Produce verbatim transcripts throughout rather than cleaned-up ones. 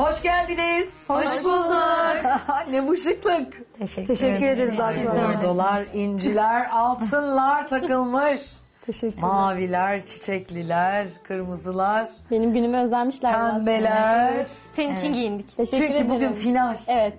Hoş geldiniz. Hoş bulduk. Ne bu şıklık. Teşekkür, Teşekkür ederiz Aslı. Dolar, inciler, altınlar takılmış. Teşekkürler. Maviler, çiçekliler, kırmızılar, Benim günümü özlenmişler. pembeler. Senin için giyindik. Teşekkür Çünkü ederim. bugün final. Evet.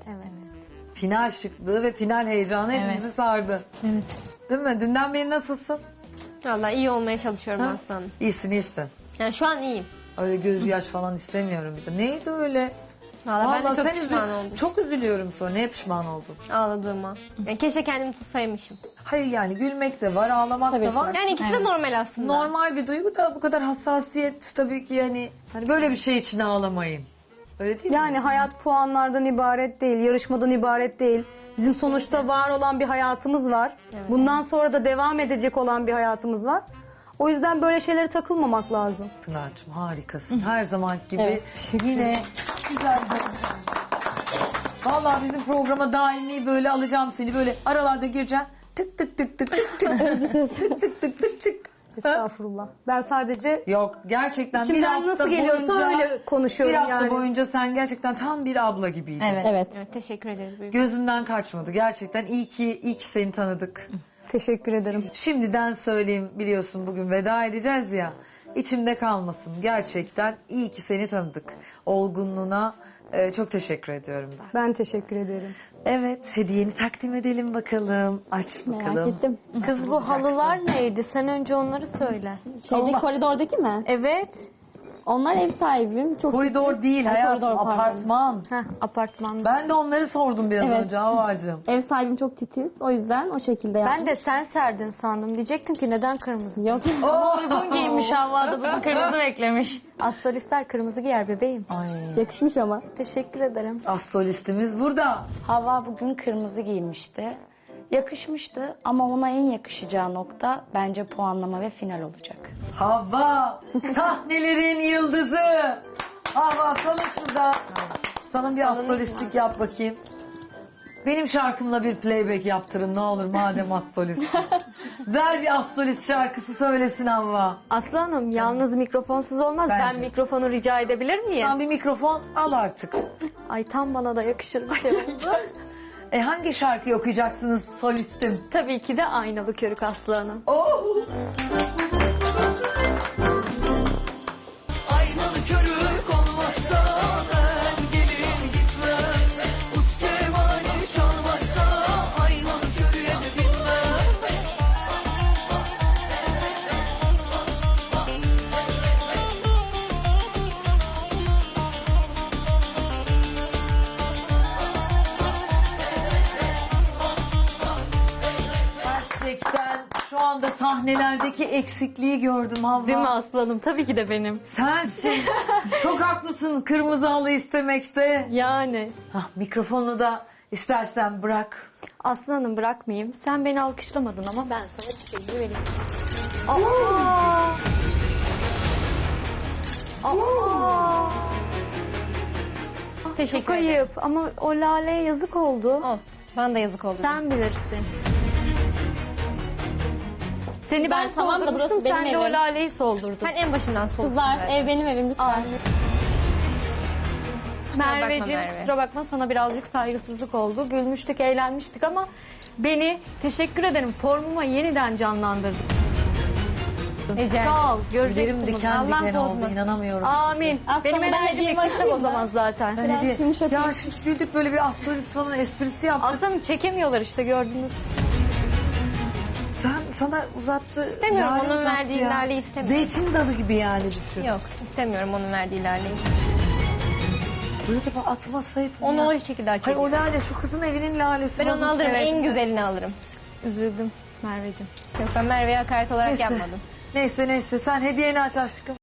Final şıklığı ve final heyecanı hepimizi sardı. Evet. Değil mi? Dünden beri nasılsın? Vallahi iyi olmaya çalışıyorum aslanım. İyisin, iyisin. Yani şu an iyiyim. Öyle göz yaş falan istemiyorum bir de. Neydi öyle? Vallahi, ben de çok sen pişman üzül- oldum Çok üzülüyorum sonra. Neye pişman oldun? ağladığıma. Yani keşke kendimi tutsaymışım. Hayır yani gülmek de var, ağlamak Tabii da ki. var. Yani ikisi de normal aslında. Normal bir duygu da bu kadar hassasiyet tabii ki yani hani böyle bir şey için ağlamayın. Öyle değil mi? Yani hayat puanlardan ibaret değil, yarışmadan ibaret değil. Bizim sonuçta var olan bir hayatımız var. Bundan sonra da devam edecek olan bir hayatımız var. O yüzden böyle şeylere takılmamak lazım. Pınar'cığım harikasın. Her zaman gibi Evet, yine güzel bir... Vallahi bizim programa daimi böyle alacağım seni böyle aralarda gireceksin. Tık tık tık tık tık tık tık tık tık tık çık. Estağfurullah. Ben sadece Yok gerçekten bir içimden hafta nasıl geliyorsa boyunca, öyle konuşuyorum bir hafta yani. boyunca sen gerçekten tam bir abla gibiydin. Evet. Evet. Evet, teşekkür ederiz. Büyük. Gözümden kaçmadı gerçekten. İyi ki, iyi ki seni tanıdık. Teşekkür ederim. Şimdiden söyleyeyim biliyorsun bugün veda edeceğiz ya. İçimde kalmasın gerçekten iyi ki seni tanıdık. Olgunluğuna e, çok teşekkür ediyorum ben. Ben teşekkür ederim. Evet hediyeni takdim edelim bakalım. Aç bakalım. Merak ettim. Kız bu halılar neydi? Sen önce onları söyle. Şeyde Allah. koridordaki mi? Evet. Onlar ev sahibim. Çok Koridor titiz. değil Ay, hayatım koridor, pardon. apartman. Heh, apartmanda. Ben de onları sordum biraz Evet. önce Havacığım. Ev sahibim çok titiz. O yüzden o şekilde yaptım. Ben de sen serdin sandım. Diyecektim ki neden kırmızı? Yok. Ama uygun giymiş Havva da bugün kırmızı beklemiş. Astrolistler kırmızı giyer bebeğim. Ay. Yakışmış ama. Teşekkür ederim. Astrolistimiz burada. Havva bugün kırmızı giymişti. Yakışmıştı ama ona en yakışacağı nokta bence puanlama ve final olacak. Havva sahnelerin yıldızı. Havva salın şurada. Salın bir astrolistlik yap bakayım. Benim şarkımla bir playback yaptırın ne olur madem astrolist. Ver bir astrolist şarkısı söylesin Havva. Aslı Hanım yalnız mikrofonsuz olmaz. Bence. Ben mikrofonu rica edebilir miyim? Sen bir mikrofon al artık. Ay tam bana da yakışır bir şey oldu. E hangi şarkıyı okuyacaksınız solistim? Tabii ki de Aynalı Körük Aslı Hanım. Oh! Aynalı körük olmazsa ben gelin gitmem. Ut kemali çalmazsa aynalı körüğe de binmem. Gerçekten şu anda sahnelerdeki eksikliği gördüm Havva. Değil mi Aslı Hanım? Tabii ki de benim. Sensin. Çok haklısın kırmızı halı istemekte. Yani. Hah, mikrofonu da istersen bırak. Aslı Hanım bırakmayayım. Sen beni alkışlamadın ama ben sana çiçeği vereyim. Aa! Aa! Teşekkür Çok ederim. ayıp ama o laleye yazık oldu. Olsun. Bana da yazık oldu. Sen bilirsin. Seni ben, Ben tamam da soldurmuştum, burası benim sen de o evim. laleyi soldurdun. Sen en başından soldun Kızlar zaten. ev benim evim lütfen. Merveciğim Merve. kusura bakma sana birazcık saygısızlık oldu. Gülmüştük, eğlenmiştik ama beni teşekkür ederim formuma yeniden canlandırdın. Ece. Sağ ol. Göreceksin Tüylerim bunu. diken Allah diken oldu bozmasın. inanamıyorum. Amin. Aslında Benim ben enerjim hediyemi yüksek açayım o zaman mı? zaten. Sen Biraz hediye- yumuşatayım. Ya şimdi güldük böyle bir astrolist falan esprisi yaptık. Aslanım çekemiyorlar işte gördünüz. Sen sana uzattı. İstemiyorum, lale onun uzattı verdiği ya. laleyi istemiyorum. Zeytin dalı gibi yani düşün. Yok istemiyorum onun verdiği laleyi. Böyle de bak atmasaydın Onu ya. o şekilde hak Hayır o ediyor. lale şu kızın evinin lalesi. Ben onu bozulsun. alırım. Evet. En güzelini alırım. Üzüldüm Merveciğim. Yok ben Merve'ye hakaret olarak Neyse. yapmadım. Neyse neyse sen hediyeni aç aşkım.